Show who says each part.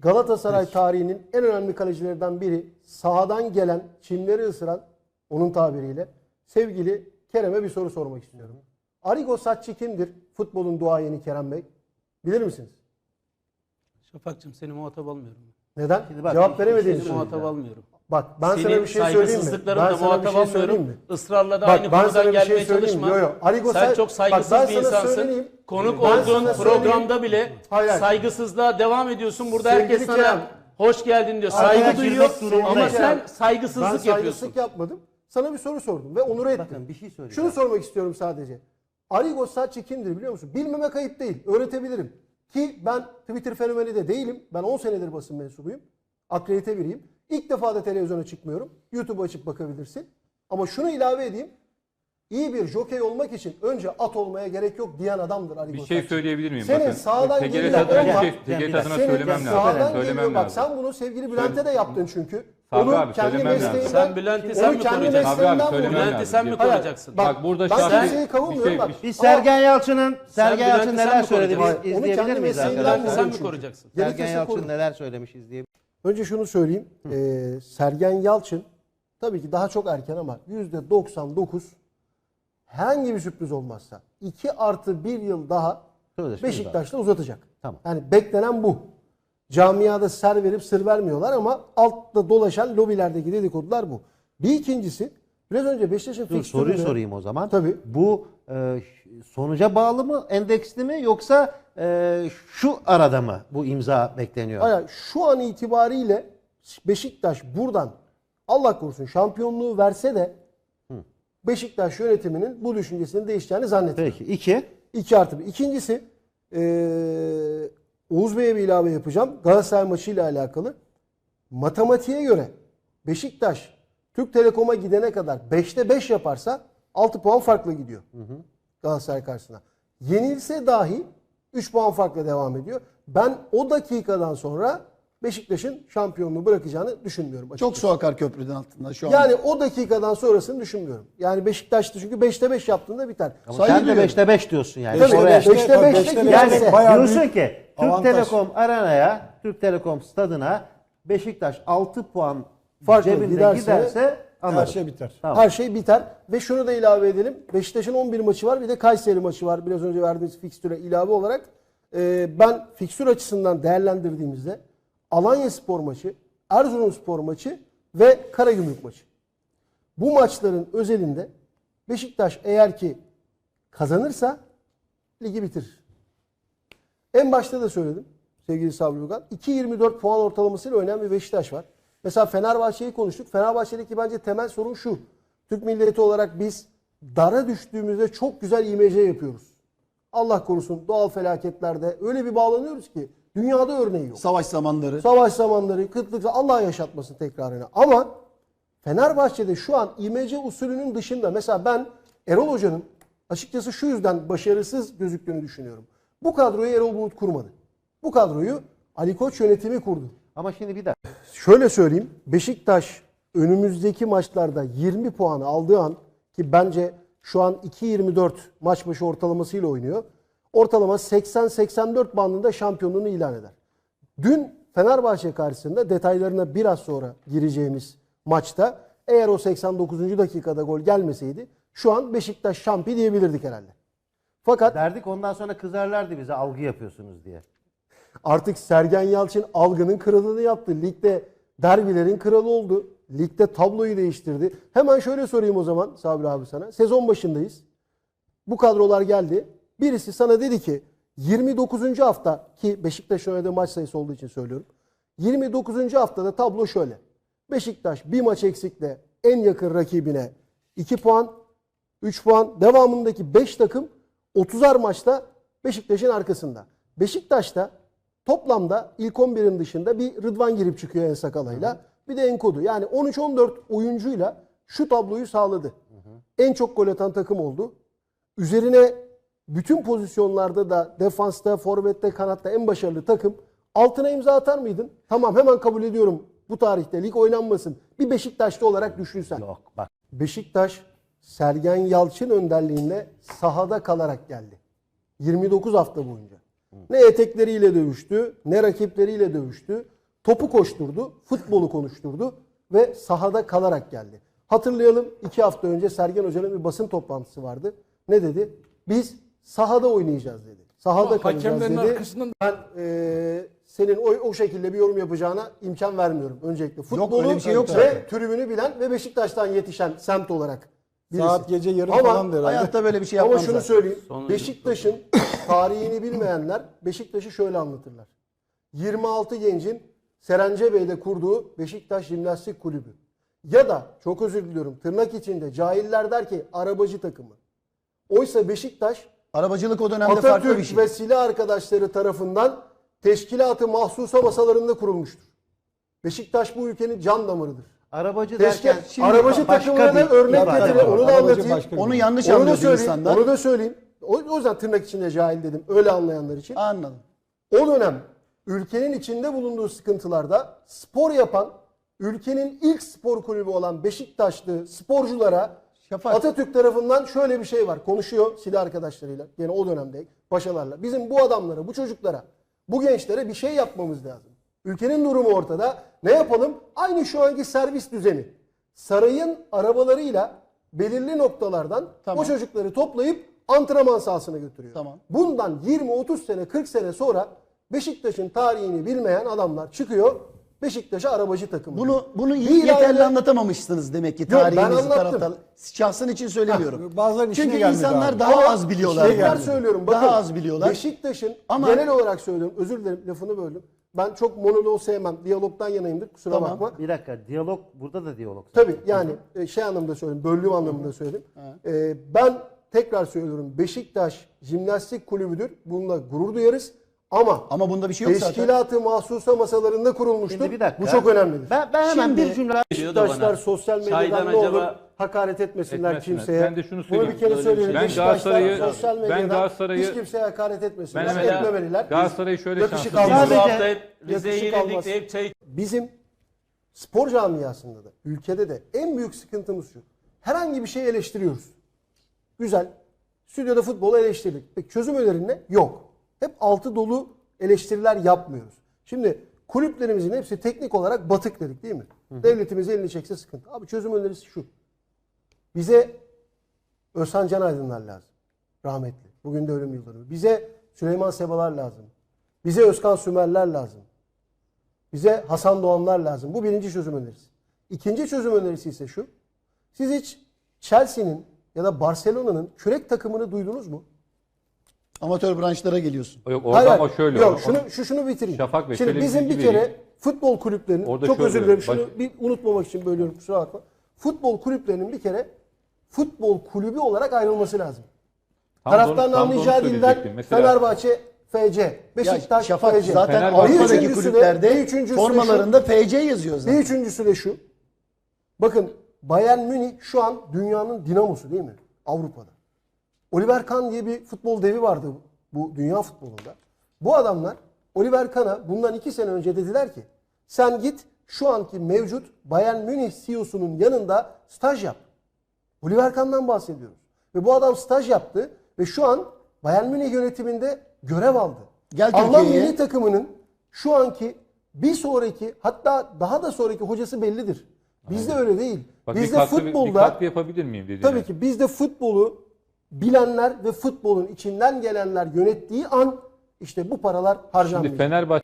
Speaker 1: Galatasaray tarihinin en önemli kalecilerinden biri, sahadan gelen, çimleri ısıran, onun tabiriyle, sevgili Kerem'e bir soru sormak istiyorum. Arrigo Sacchi kimdir? Futbolun duayeni Kerem Bey. Bilir misiniz?
Speaker 2: Şafak'cığım seni muhatap almıyorum.
Speaker 1: Neden?
Speaker 3: bak,
Speaker 1: Cevap veremediğini
Speaker 2: Seni muhatap
Speaker 1: söyleyeceğim.
Speaker 2: almıyorum.
Speaker 1: Bak ben sana
Speaker 2: Senin
Speaker 1: bir şey söyleyeyim mi?
Speaker 2: saygısızlıklarınla
Speaker 1: Ben sana bir
Speaker 2: muhatap
Speaker 1: şey söyleyeyim
Speaker 2: almıyorum.
Speaker 1: mi?
Speaker 2: Israrla da
Speaker 1: Bak,
Speaker 2: aynı
Speaker 1: ben
Speaker 2: konudan
Speaker 1: sana bir şey
Speaker 2: gelmeye
Speaker 1: söyleyeyim mi?
Speaker 2: çalışma.
Speaker 1: Yo, yo. Arrigo
Speaker 2: Sen
Speaker 1: Sacchi-
Speaker 2: çok
Speaker 1: Bak,
Speaker 2: saygısız
Speaker 1: ben
Speaker 2: bir
Speaker 1: sana
Speaker 2: insansın.
Speaker 1: söyleyeyim.
Speaker 2: Konuk
Speaker 1: Ben
Speaker 2: olduğun
Speaker 1: sana
Speaker 2: programda
Speaker 1: söyleyeyim.
Speaker 2: bile
Speaker 1: Hayır.
Speaker 2: saygısızlığa devam ediyorsun. Burada
Speaker 1: Sevgili
Speaker 2: herkes sana
Speaker 1: Kerem.
Speaker 2: hoş geldin diyor.
Speaker 1: Arkadaşlar,
Speaker 2: Saygı duyuyor
Speaker 3: girmek
Speaker 2: ama
Speaker 3: durumundayım.
Speaker 2: sen
Speaker 1: Ben
Speaker 2: saygısızlık yapıyorsun.
Speaker 1: saygısızlık yapmadım. Sana bir soru sordum ve onur ettim.
Speaker 3: Bakın bir şey söyleyeceğim.
Speaker 1: Şunu sormak istiyorum sadece. Arrigo Sacchi kimdir biliyor musun? Bilmemek ayıp değil. Öğretebilirim. Ki ben Twitter fenomeni de değilim. Ben 10 senedir basın mensubuyum. Akredite biriyim. İlk defa da televizyona çıkmıyorum. YouTube açıp bakabilirsin. Ama şunu ilave edeyim. İyi bir jokey olmak için önce at olmaya gerek yok diyen adamdır Arrigo
Speaker 4: Bir şey
Speaker 1: Sacchi.
Speaker 4: söyleyebilir miyim?
Speaker 1: Senin
Speaker 4: Bakın,
Speaker 1: sağdan
Speaker 4: TGRT
Speaker 1: geliyor
Speaker 4: adına
Speaker 1: olmak-
Speaker 4: TGRT adına
Speaker 1: Senin
Speaker 4: söylemem
Speaker 1: sağdan
Speaker 4: lazım.
Speaker 1: geliyor.
Speaker 4: Söylemem
Speaker 1: Bak
Speaker 4: lazım.
Speaker 1: sen bunu sevgili Bülent'e de yaptın çünkü.
Speaker 4: Sabri
Speaker 1: Onun
Speaker 4: abi,
Speaker 1: kendi
Speaker 4: söylemem lazım.
Speaker 1: mesleğinden,
Speaker 2: Sen Bülent'i
Speaker 1: onu
Speaker 2: sen mi
Speaker 1: kendi
Speaker 2: koruyacaksın?
Speaker 1: mesleğinden
Speaker 4: Sabri abi,
Speaker 1: vurdu.
Speaker 4: söylemem
Speaker 2: Bülent'i sen mi
Speaker 1: Hayır,
Speaker 2: koruyacaksın?
Speaker 4: Bak burada
Speaker 1: ben
Speaker 4: şahsi-
Speaker 1: kimseyi kavurmuyorum
Speaker 4: bir şey-
Speaker 1: bak.
Speaker 3: Bir Sergen Yalçın'ın
Speaker 2: Bülent'i
Speaker 3: neler
Speaker 2: sen mi
Speaker 3: söyledi
Speaker 2: koruyacaksın?
Speaker 3: biz
Speaker 1: Onu
Speaker 3: izleyebilir
Speaker 1: kendi
Speaker 3: miyiz
Speaker 1: mesleğinden
Speaker 3: arkadaşlar?
Speaker 2: Bülent'i sen mi
Speaker 1: çünkü.
Speaker 2: koruyacaksın?
Speaker 3: Sergen
Speaker 1: Gerekirse
Speaker 3: Yalçın
Speaker 1: koru.
Speaker 3: neler söylemiş izleyebilir.
Speaker 1: Önce şunu söyleyeyim. Sergen Yalçın tabii ki daha çok erken ama %99 herhangi bir sürpriz olmazsa 2+1 yıl daha
Speaker 3: Sözleşme
Speaker 1: Beşiktaş'ta uzatacak.
Speaker 3: Tamam.
Speaker 1: Yani beklenen bu. Camiada ser verip sır vermiyorlar ama altta dolaşan lobilerdeki dedikodular bu. Bir ikincisi biraz önce Beşiktaş'ın
Speaker 3: Dur, soruyu
Speaker 1: fikstüründe-
Speaker 3: sorayım o zaman.
Speaker 1: Tabii.
Speaker 3: Bu sonuca bağlı mı, endeksli mi yoksa şu arada mı bu imza bekleniyor?
Speaker 1: Hayır, şu an itibariyle Beşiktaş buradan Allah korusun şampiyonluğu verse de Beşiktaş yönetiminin bu düşüncesinin değişeceğini zannetmiyorum.
Speaker 3: Peki. 2.
Speaker 1: 2+1. İkincisi Oğuz Bey'e bir ilave yapacağım. Galatasaray maçıyla alakalı. Matematiğe göre Beşiktaş Türk Telekom'a gidene kadar 5'te 5 yaparsa 6 puan farklı gidiyor. Galatasaray karşısına. Yenilse dahi 3 puan farkla devam ediyor. Ben o dakikadan sonra Beşiktaş'ın şampiyonluğu bırakacağını düşünmüyorum.
Speaker 5: Çok
Speaker 1: açıkçası.
Speaker 5: su akar köprüden altında şu an.
Speaker 1: Yani o dakikadan sonrasını düşünmüyorum. Yani Beşiktaş'ta çünkü 5'te 5 yaptığında biter.
Speaker 3: Ama
Speaker 5: Saygı
Speaker 3: sen de
Speaker 5: duyuyorum.
Speaker 3: 5'te 5 diyorsun yani.
Speaker 1: Tabii,
Speaker 3: Oraya-
Speaker 1: 5'te 5'te
Speaker 5: beşte
Speaker 1: girerse.
Speaker 3: Yani
Speaker 5: bayağı
Speaker 3: diyorsun
Speaker 5: büyük
Speaker 3: ki Türk
Speaker 5: avantaj.
Speaker 3: Telekom Arena'ya, Türk Telekom Stadına Beşiktaş 6 puan
Speaker 1: Farklı
Speaker 3: cebinde
Speaker 1: giderse
Speaker 3: giderse
Speaker 5: her
Speaker 3: anlarım.
Speaker 5: şey biter.
Speaker 3: Tamam.
Speaker 1: Her şey biter. Ve şunu da ilave edelim. Beşiktaş'ın 11 maçı var. Bir de Kayseri maçı var. Biraz önce verdiğimiz fikstüre ilave olarak. Ben fikstür açısından değerlendirdiğimizde Alanyaspor maçı, Erzurumspor maçı ve Karagümrük maçı. Bu maçların özelinde Beşiktaş eğer ki kazanırsa ligi bitirir. En başta da söyledim sevgili Sabri Ugan. 2.24 puan ortalamasıyla oynayan bir Beşiktaş var. Mesela Fenerbahçe'yi konuştuk. Fenerbahçe'deki bence temel sorun şu. Türk milleti olarak biz dara düştüğümüzde çok güzel IMC yapıyoruz. Allah korusun doğal felaketlerde öyle bir bağlanıyoruz ki dünyada örneği yok.
Speaker 5: Savaş zamanları.
Speaker 1: Savaş zamanları, kıtlık, Allah yaşatmasın tekrarını. Ama Fenerbahçe'de şu an IMC usulünün dışında mesela ben Erol Hoca'nın açıkçası şu yüzden başarısız gözüktüğünü düşünüyorum. Bu kadroyu Erol Bulut kurmadı. Bu kadroyu Ali Koç yönetimi kurdu.
Speaker 3: Ama şimdi bir dakika.
Speaker 1: Şöyle söyleyeyim. Beşiktaş önümüzdeki maçlarda 20 puanı aldığı an ki bence şu an 2.24 maç başı ortalamasıyla oynuyor. Ortalama 80-84 bandında şampiyonluğunu ilan eder. Dün Fenerbahçe karşısında detaylarına biraz sonra gireceğimiz maçta eğer o 89. dakikada gol gelmeseydi şu an Beşiktaş şampiyon diyebilirdik herhalde. Fakat
Speaker 3: Derdik ondan sonra kızarlardı bize algı yapıyorsunuz diye.
Speaker 1: artık Sergen Yalçın algının kralını yaptı. Ligde derbilerin kralı oldu. Ligde tabloyu değiştirdi. Hemen şöyle sorayım o zaman Sabri abi sana. Sezon başındayız. Bu kadrolar geldi. Birisi sana dedi ki 29. hafta ki Beşiktaş'ın oynadığı maç sayısı olduğu için söylüyorum. 29. haftada tablo şöyle. Beşiktaş bir maç eksikle en yakın rakibine 2 puan, 3 puan. Devamındaki 5 takım 30'ar maçta Beşiktaş'ın arkasında. Beşiktaş'ta toplamda ilk 11'in dışında bir Rıdvan girip çıkıyor En Sakala'yla. Bir de Enkodu. Yani 13-14 oyuncuyla şu tabloyu sağladı. En çok gol atan takım oldu. Üzerine bütün pozisyonlarda da defansta, forvette, kanatta en başarılı takım. Altına imza atar mıydın? Tamam hemen kabul ediyorum. Bu tarihte lig oynanmasın. Bir Beşiktaşlı olarak düşünsen.
Speaker 3: Yok bak.
Speaker 1: Beşiktaş Sergen Yalçın önderliğinde sahada kalarak geldi. 29 hafta boyunca. Ne etekleriyle dövüştü, ne rakipleriyle dövüştü. Topu koşturdu, futbolu konuşturdu ve sahada kalarak geldi. Hatırlayalım, 2 hafta önce Sergen Hoca'nın bir basın toplantısı vardı. Ne dedi? Biz sahada oynayacağız dedi. Sahada kalacağız
Speaker 4: Hakemlerin
Speaker 1: dedi.
Speaker 4: arkasından
Speaker 1: Ben senin o şekilde bir yorum yapacağına imkan vermiyorum. Öncelikle futbolu
Speaker 5: öyle bir şey yok
Speaker 1: ve
Speaker 5: zaten.
Speaker 1: tribünü bilen ve Beşiktaş'tan yetişen semt olarak birisi.
Speaker 4: saat gece yarım
Speaker 1: Ama
Speaker 4: falan da herhalde.
Speaker 5: Hayatta böyle bir şey
Speaker 1: Ama
Speaker 5: yapmam
Speaker 1: şunu
Speaker 5: zaten.
Speaker 1: söyleyeyim.
Speaker 2: Sonuncu
Speaker 1: Beşiktaş'ın tarihini bilmeyenler Beşiktaş'ı şöyle anlatırlar. 26 gencin Serencebey'de kurduğu Beşiktaş Jimnastik Kulübü. Ya da çok özür diliyorum tırnak içinde cahiller der ki arabacı takımı. Oysa Beşiktaş
Speaker 5: Arabacılık o dönemde farklı bir
Speaker 1: Atatürk
Speaker 5: şey.
Speaker 1: ve silah arkadaşları tarafından teşkilatı mahsusa masalarında kurulmuştur. Beşiktaş bu ülkenin can damarıdır.
Speaker 3: Arabacı
Speaker 1: Teşkil,
Speaker 3: derken şimdi
Speaker 1: arabacı
Speaker 3: başka
Speaker 1: takımına da
Speaker 3: bir
Speaker 1: örnek
Speaker 3: ifade
Speaker 1: getirin.
Speaker 3: var.
Speaker 1: Onu da
Speaker 4: Arabacı
Speaker 1: anlatayım.
Speaker 4: başka bir
Speaker 5: Onu
Speaker 4: şey.
Speaker 5: yanlış
Speaker 1: Onu da
Speaker 5: anlıyor
Speaker 1: söyleyeyim.
Speaker 5: insanlar.
Speaker 1: Onu da söyleyeyim. O yüzden tırnak içinde cahil dedim. Öyle anlayanlar için.
Speaker 5: Anladım.
Speaker 1: O dönem ülkenin içinde bulunduğu sıkıntılarda spor yapan, ülkenin ilk spor kulübü olan Beşiktaşlı sporculara
Speaker 5: Şafak.
Speaker 1: Atatürk tarafından şöyle bir şey var. Konuşuyor silah arkadaşlarıyla. Yine o dönemde paşalarla. Bizim bu adamlara, bu çocuklara, bu gençlere bir şey yapmamız lazım. Ülkenin durumu ortada. Ne yapalım? Aynı şu anki servis düzeni. Sarayın arabalarıyla belirli noktalardan
Speaker 5: Tamam.
Speaker 1: o çocukları toplayıp antrenman sahasına götürüyor.
Speaker 5: Tamam.
Speaker 1: Bundan 20-30 sene, 40 sene sonra Beşiktaş'ın tarihini bilmeyen adamlar çıkıyor. Beşiktaş'a arabacı takımı.
Speaker 5: Bunu
Speaker 1: Bir
Speaker 5: yeterli
Speaker 1: ileride-
Speaker 5: anlatamamışsınız demek ki
Speaker 1: Yok, ben
Speaker 5: tarihinizi
Speaker 1: anlattım.
Speaker 5: taraftar. Şahsın için söylemiyorum.
Speaker 4: Bazılarının işine
Speaker 5: Çünkü
Speaker 4: gelmedi
Speaker 5: insanlar
Speaker 4: abi.
Speaker 5: daha
Speaker 1: Ama
Speaker 5: az biliyorlar.
Speaker 1: Tekrar
Speaker 5: yani.
Speaker 1: söylüyorum. Bakın,
Speaker 5: Daha az biliyorlar.
Speaker 1: Beşiktaş'ın
Speaker 5: Ama-
Speaker 1: genel olarak söylüyorum. Özür dilerim lafını böldüm. Ben çok monolog sevmem. Diyalogdan yanayımdır. Kusura
Speaker 5: Tamam.
Speaker 1: bakma.
Speaker 3: Bir dakika, diyalog, burada da diyalog.
Speaker 1: Tabii yani şey anlamında söyledim. Böldüğüm anlamında söyledim. Ben tekrar söylüyorum. Beşiktaş Jimnastik Kulübü'dür. Bununla gurur duyarız. Ama
Speaker 5: Ama bunda bir şey yok zaten.
Speaker 1: teşkilatı mahsusa masalarında kurulmuştur.
Speaker 3: Şimdi bir dakika.
Speaker 1: Bu çok önemlidir.
Speaker 3: Ben hemen
Speaker 5: Şimdi-
Speaker 3: bir cümle...
Speaker 2: Geliyor da
Speaker 1: Beşiktaşlar
Speaker 2: bana.
Speaker 1: sosyal medyadan
Speaker 2: Çaydan
Speaker 1: ne olur
Speaker 2: acaba
Speaker 1: hakaret etmesinler
Speaker 6: Etmesinler.
Speaker 1: kimseye.
Speaker 6: Ben de şunu
Speaker 1: Bunu
Speaker 6: söyleyeyim.
Speaker 1: bir kere
Speaker 2: Böyle bir
Speaker 1: söyleyelim.
Speaker 2: şey.
Speaker 6: Ben
Speaker 1: Beşiktaşlar
Speaker 6: Galatasaray'ı-
Speaker 1: sosyal
Speaker 6: ben
Speaker 1: medyadan
Speaker 6: Galatasaray'ı-
Speaker 1: hiç kimseye hakaret etmesinler.
Speaker 6: Ben evet,
Speaker 1: Etmemeliler.
Speaker 6: Galatasaray'ı şöyle
Speaker 1: Yakışık
Speaker 6: şanslı
Speaker 1: almaz.
Speaker 2: Bu
Speaker 3: Sadece-
Speaker 2: hafta hep Rize'ye
Speaker 1: yakışık
Speaker 2: yenildik
Speaker 1: almaz.
Speaker 2: de hep çay
Speaker 1: Bizim spor camiasında da, ülkede de en büyük sıkıntımız şu. Herhangi bir şey eleştiriyoruz. Güzel. Stüdyoda futbolu eleştirdik. Peki çözüm önerin ne? Yok. Hep altı dolu eleştiriler yapmıyoruz. Şimdi kulüplerimizin hepsi teknik olarak batık dedik değil mi? Devletimiz elini çekse sıkıntı. Abi çözüm önerisi şu. Bize Özhan Can Aydınlar lazım. Rahmetli. Bugün de ölüm yıldönümü. Bize Süleyman Sebalar lazım. Bize Özkan Sümerler lazım. Bize Hasan Doğanlar lazım. Bu birinci çözüm önerisi. İkinci çözüm önerisi ise şu. Siz hiç Chelsea'nin ya da Barcelona'nın kürek takımını duydunuz mu?
Speaker 5: Amatör branşlara geliyorsun.
Speaker 6: Yok orada ama şöyle.
Speaker 1: Yok şunu bitireyim.
Speaker 6: Şafak Bey,
Speaker 1: Şimdi
Speaker 6: şöyle bir
Speaker 1: bizim
Speaker 6: bilgi
Speaker 1: bir kere
Speaker 6: vereyim.
Speaker 1: futbol kulüplerinin
Speaker 6: Orada
Speaker 1: çok
Speaker 6: şöyle,
Speaker 1: özür dilerim şunu
Speaker 6: baş-
Speaker 1: bir unutmamak için bölüyorum kusura bakma. Futbol kulüplerinin bir kere futbol kulübü olarak ayrılması lazım.
Speaker 6: Tam da onu-
Speaker 1: Taraftarın
Speaker 6: tam da onu
Speaker 1: anlayacağı dilden
Speaker 6: söyleyecektim. Mesela
Speaker 1: Fenerbahçe FC, Beşiktaş
Speaker 5: Şafak
Speaker 1: FC.
Speaker 5: zaten
Speaker 6: Fenerbahçe-
Speaker 5: Avrupa'daki
Speaker 1: Bir üçüncüsü de- bir
Speaker 5: kulüplerde
Speaker 1: üçüncüsü de
Speaker 5: formalarında FC yazıyor
Speaker 1: Bir
Speaker 5: zaten.
Speaker 1: üçüncüsü de şu. Bakın Bayern Münih şu an dünyanın dinamosu değil mi? Avrupa'da. Oliver Kahn diye bir futbol devi vardı bu dünya futbolunda. Bu adamlar Oliver Kahn'a bundan 2 sene önce dediler ki sen git şu anki mevcut Bayern Münih CEO'sunun yanında staj yap. Oliver Kahn'dan bahsediyoruz. Ve bu adam staj yaptı ve şu an Bayern Münih yönetiminde görev aldı.
Speaker 5: Gel
Speaker 1: Alman
Speaker 5: Türkiye'ye.
Speaker 1: milli takımının şu anki bir sonraki hatta daha da sonraki hocası bellidir. Bizde öyle değil.
Speaker 6: Bak,
Speaker 1: Bizde
Speaker 6: bir
Speaker 1: futbolda
Speaker 6: katkı yapabilir miyim dediğine.
Speaker 1: tabii ki bizde futbolu bilenler ve futbolun içinden gelenler yönettiği an işte bu paralar
Speaker 6: Şimdi
Speaker 1: harcanmayacak.
Speaker 6: Fenerbahçe